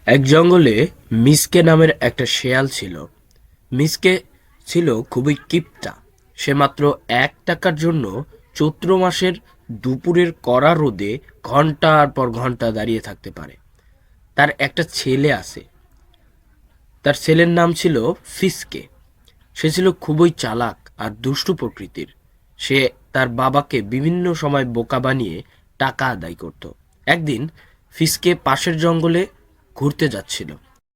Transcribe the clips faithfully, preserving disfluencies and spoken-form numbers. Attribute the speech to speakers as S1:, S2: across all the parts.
S1: এক জঙ্গলে মিসকে নামের একটা শেয়াল ছিল। মিসকে ছিল খুবই কিপটা। সে মাত্র এক টাকার জন্য চৈত্র মাসের দুপুরের কড়া রোদে ঘন্টার পর ঘন্টা দাঁড়িয়ে থাকতে পারে। তার একটা ছেলে আছে। তার ছেলের নাম ছিল ফিসকে। সে ছিল খুবই চালাক আর দুষ্টু প্রকৃতির। সে তার বাবাকে বিভিন্ন সময় বোকা বানিয়ে টাকা আদায় করত। একদিন ফিসকে পাশের জঙ্গলে ঘুরতে যাচ্ছিল।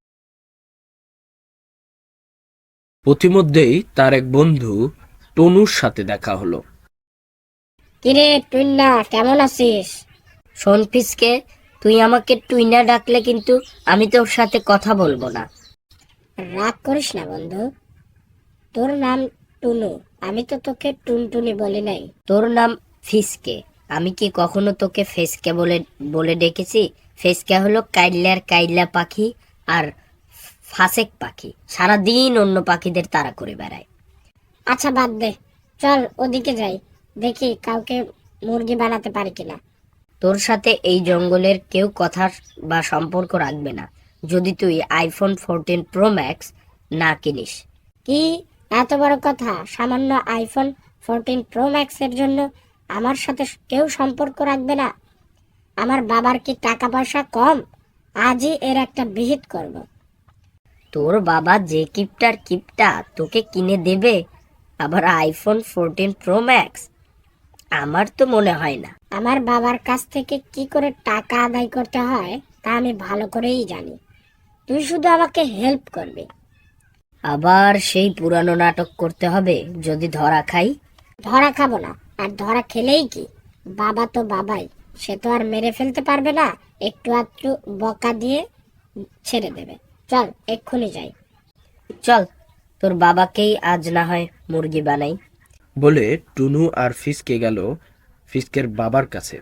S1: পথিমধ্যেই তার এক বন্ধু টনুর সাথে দেখা হলো।
S2: কিরে টুইনা, কেমন আছিস? শোন ফিসকে, তুই আমাকে টুইনা ডাকলে কিন্তু আমি তোর সাথে কথা বলবো না। রাগ করিস না বন্ধু, তোর নাম টুনু, আমি তো তোকে টুনটুনি বলি নাই। তোর নাম ফিসকে, আমি কি কখনো তোকে ফেসকে বলে বলে ডেকেছি? ফেসকে হলো কাইল্লার কাইল্লা পাখি আর ফাসেক পাখি, সারাদিন অন্য পাখিদের তাড়া করে বেড়ায়। আচ্ছা বাদ দে, চল ওদিকে যাই, দেখি কাউকে মুরগি বানাতে পারি কিনা। তোর সাথে এই জঙ্গলের কেউ কথা বা সম্পর্ক রাখবে না যদি তুই আইফোন ফোরটিন প্রো ম্যাক্স না কিনিস। কি এত বড় কথা? সামান্য আইফোন ফোরটিন প্রো ম্যাক্স এর জন্য আমার সাথে কেউ সম্পর্ক রাখবে না? আমার বাবার কি টাকা পয়সা কম? আজই এর একটা বিহিত করব। তোর বাবা যে কিপটার কিপটা তোকে কিনে দেবে আবার আইফোন ফোরটিন প্রো ম্যাক্স? আমার তো মনে হয় না। আমার বাবার কাছ থেকে কি করে টাকা আদায় করতে হয় তা আমি ভালো করেই জানি। তুই শুধু আমাকে হেল্প করবি। আবার সেই পুরানো নাটক করতে হবে যদি ধরা খাই? ধরা খাবো না, আর ধরা খেলেই কি, বাবা তো বাবাই, সে তো আর মেরে ফেলতে পারবে না, একটু আধটু বকা দিয়ে ছেড়ে দেবে। চল এক্ষুনি যাই। চল, তোর বাবাকেই আজ না হয় মুরগি বানাই।
S1: বলে টুনু আর ফিসকে গেল ফিসকের বাবার কাছে।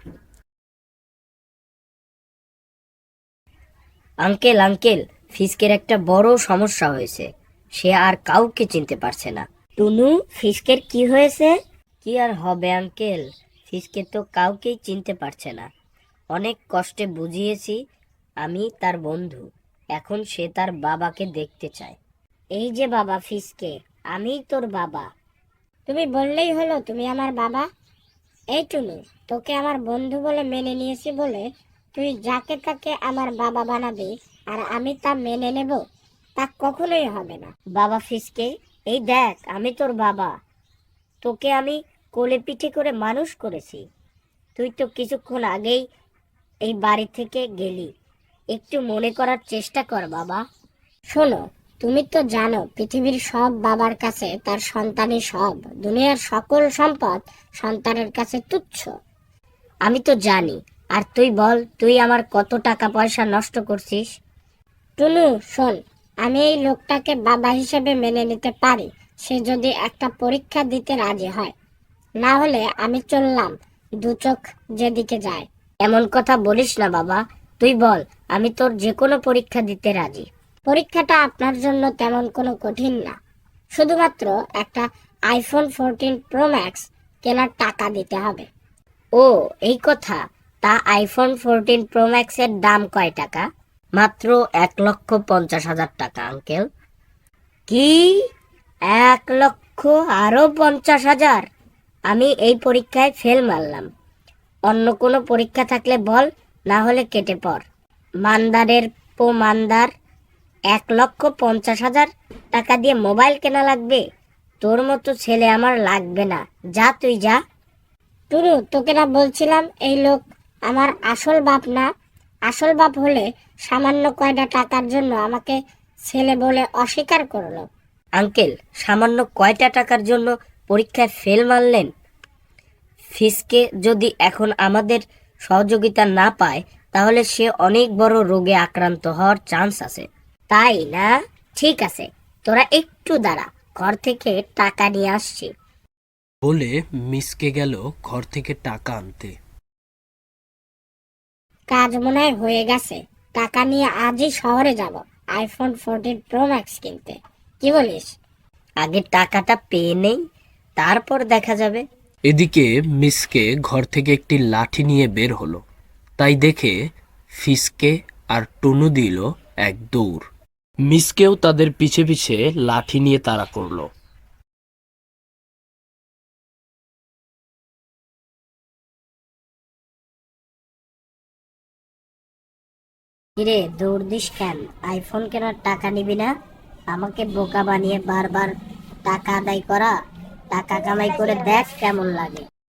S2: আঙ্কেল আঙ্কেল, ফিসকের একটা বড় সমস্যা হয়েছে, সে আর কাউকে চিনতে পারছে না। টুনু, ফিসকের কি হয়েছে? কি আর হবে আঙ্কেল, ফিসকে তো কাউকেই চিনতে পারছে না। অনেক কষ্টে বুঝিয়েছি আমি তার বন্ধু, এখন সে তার বাবাকে দেখতে চায়। এই যে বাবা ফিসকে, আমিই তোর বাবা। তুমি বললেই হলো তুমি আমার বাবা। এই টুনু, তোকে আমার বন্ধু বলে মেনে নিয়েছি বলে তুই যাকে তাকে আমার বাবা বানাবি আর আমি তা মেনে নেব? তা কখনোই হবে না। বাবা ফিসকে, এই দেখ আমি তোর বাবা, তোকে আমি কোলে পিঠে করে মানুষ করেছি। তুই তো কিছুক্ষণ আগেই এই বাড়ি থেকে গেলি, একটু মনে করার চেষ্টা কর বাবা। শোনো, তুমি তো জানো পৃথিবীর সব বাবার কাছে তার সন্তানই সব, দুনিয়ার সকল সম্পদ সন্তানের কাছে তুচ্ছ। আমি তো জানি, আর তুই বল তুই আমার কত টাকা পয়সা নষ্ট করছিস। টুনু শোন, আমি এই লোকটাকে বাবা হিসেবে মেনে নিতে পারি সে যদি একটা পরীক্ষা দিতে রাজি হয়, না হলে আমি চললাম, দু চোখ যেদিকে যায়। এমন কথা বলিস না বাবা, তুই বল, আমি তোর যে কোনো পরীক্ষা দিতে রাজি। পরীক্ষাটা আপনার জন্য তেমন কোনো কঠিন না, শুধুমাত্র একটা আইফোন ফোরটিন প্রো ম্যাক্স কেনার টাকা দিতে হবে। ও এই কথা, তা আইফোন ফোরটিন প্রো ম্যাক্স এর দাম কয় টাকা? মাত্র এক লক্ষ পঞ্চাশ হাজার টাকা আঙ্কেল। কি? এক লক্ষ আরো পঞ্চাশ হাজার? আমি এই পরীক্ষায় ফেল মারলাম। অন্য কোনো পরীক্ষা থাকলে বল, না হলে কেটে পড়। মান্দারের পো মান্দার, এক লক্ষ পঞ্চাশ হাজার টাকা দিয়ে মোবাইল কেনা লাগবে? তোর মতো ছেলে আমার লাগবে না, যা তুই যা। টুরু, তোকে না বলছিলাম এই লোক আমার আসল বাপ না? আসল বাপ হলে সামান্য কয়টা টাকার জন্য আমাকে ছেলে বলে অস্বীকার করলো। আঙ্কেল, সামান্য কয়টা টাকার জন্য পরীক্ষায় ফেল মারলেন? ফিসকে যদি এখন আমাদের সহযোগিতা না পায় তাহলে সে অনেক বড় রোগে আক্রান্ত হওয়ার চান্স আছে। তাই না? ঠিক আছে, তোরা একটু দাঁড়া, ঘর থেকে টাকা নিয়ে আসছি।
S1: বলে মিসকে গেল ঘর থেকে টাকা আনতে।
S2: কাজ মনে হয় হয়ে গেছে, টাকা নিয়ে আজই শহরে যাব আইফোন ফোরটিন প্রো ম্যাক্স কিনতে। কি বলিস? আগে টাকাটা পেয়ে নেই, তারপর দেখা যাবে।
S1: এদিকে মিসকে ঘর থেকে একটি লাঠি নিয়ে বের হলো। তাই দেখে ফিসকে আর টুনু দিল এক দৌড়। মিসকেও তাদের পিছে পিছে লাঠি নিয়ে তাড়া করলো।
S2: কিরে দৌড় দিস কেন? আইফোন কেনার টাকা নিবি না? আমাকে বোকা বানিয়ে বারবার টাকা আদায় করা, টাকা কামাই করে দেখ কেমন লাগে।